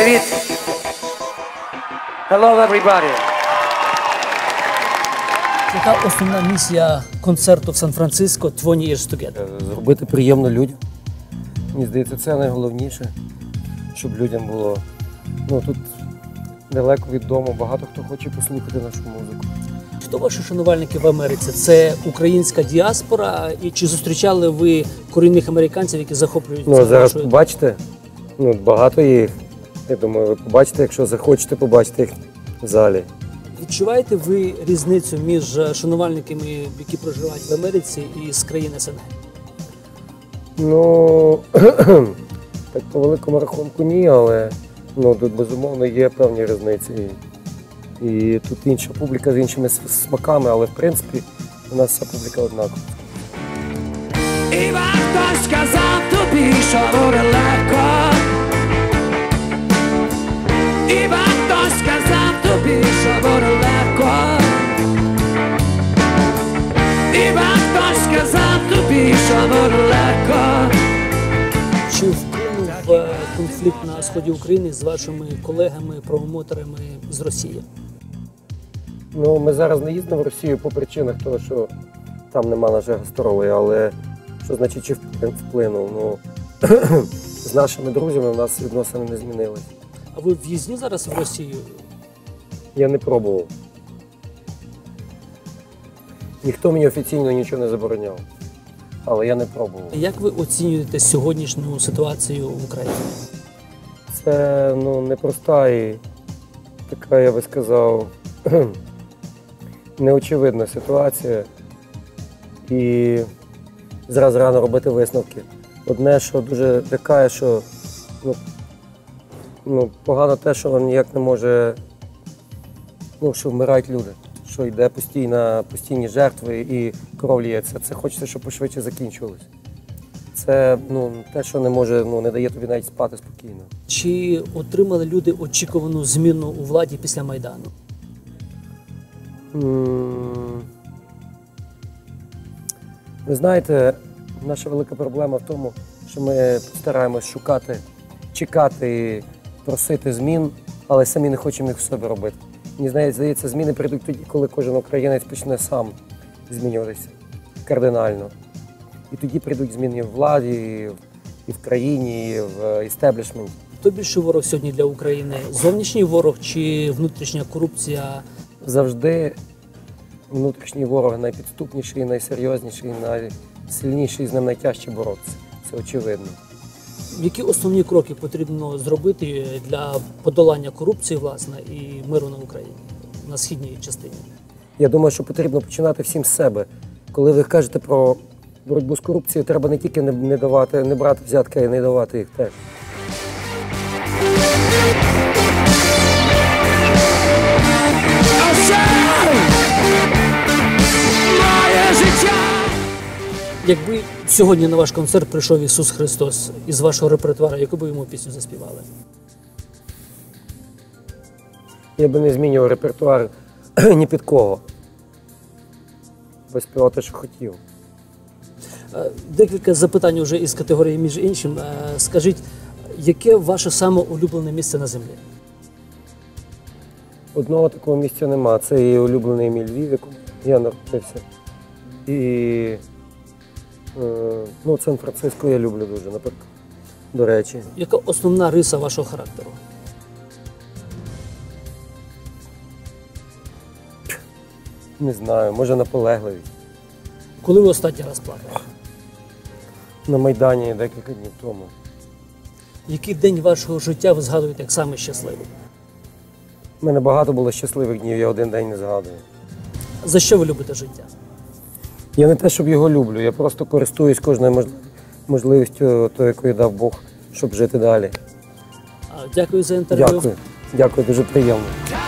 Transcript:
Привіт! Hello, everybody! Яка основна місія концерту в Сан-Франциско «20 Years Together»? Зробити приємно людям. Мені здається, це найголовніше, щоб людям було. Ну, тут далеко від дому, багато хто хоче послухати нашу музику. Хто ваші шанувальники в Америці? Це українська діаспора? І чи зустрічали ви корінних американців, які захоплюються Ну, зараз вашою? побачите, багато їх. Я думаю, ви побачите, якщо захочете, побачите їх в залі. Відчуваєте ви різницю між шанувальниками, які проживають в Америці, і з країн СНГ? Ну, так по великому рахунку ні, але тут безумовно є певні різниці. І тут інша публіка з іншими смаками, але в принципі у нас вся публіка однакова. І варто сказав тобі, що буде легко. І варто сказав тобі, що буде легко. І варто сказав тобі, що буде легко. Чи вплинув конфлікт на сході України з вашими колегами, промоутерами з Росії? Ну, ми зараз не їздимо в Росію по причинах того, що там нема нашої гастролі, але що значить, чи вплинув? Ну, з нашими друзями у нас відносини не змінились. А ви в'їзні зараз в Росію? Я не пробував. Ніхто мені офіційно нічого не забороняв, але я не пробував. Як ви оцінюєте сьогоднішню ситуацію в Україні? Це непроста і така, я би сказав, неочевидна ситуація. І зразу рано робити висновки. Одне, що дуже лякає, що погано те, що ніяк не може, що вмирають люди, що йде постійні жертви і кров лється. Це хочеться, щоб пошвидше закінчувалося. Це те, що не дає тобі навіть спати спокійно. Чи отримали люди очікувану зміну у владі після Майдану? Ви знаєте, наша велика проблема в тому, що ми стараємось шукати, чекати і просити змін, але самі не хочемо їх в собі робити. Мені здається, зміни прийдуть тоді, коли кожен українець почне сам змінюватися кардинально. І тоді прийдуть зміни в владі, і в країні, і в істеблішменті. Хто більший ворог сьогодні для України? Зовнішній ворог чи внутрішня корупція? Завжди внутрішній ворог найпідступніший, найсерйозніший, найсильніший, з ним найтяжче боротися. Це очевидно. Які основні кроки потрібно зробити для подолання корупції, власне, і миру на Україні, на східній частині? Я думаю, що потрібно починати всім з себе. Коли ви кажете про боротьбу з корупцією, треба не тільки не брати взятки, а й не давати їх теж. Якби сьогодні на ваш концерт прийшов Ісус Христос із вашого репертуару, яку би йому пісню заспівали? Я би не змінював репертуар ні під кого. Би співав те, що хотів. Декілька запитань вже із категорії «Між іншим». Скажіть, яке ваше саме улюблене місце на землі? Одного такого місця нема. Це і улюблений мій Львів, в якому я народився. І Сан-Франциско я люблю дуже, наприклад, до речі. Яка основна риса вашого характеру? Не знаю, може наполегливість. Коли ви останній раз плакали? На Майдані декілька днів тому. Який день вашого життя ви згадуєте як самий щасливий? У мене багато було щасливих днів, я один день не згадую. За що ви любите життя? Я не те, щоб його люблю, я просто користуюсь кожною можливістю, яку дав Бог, щоб жити далі. Дякую за інтерв'ю. Дякую, дуже приємно.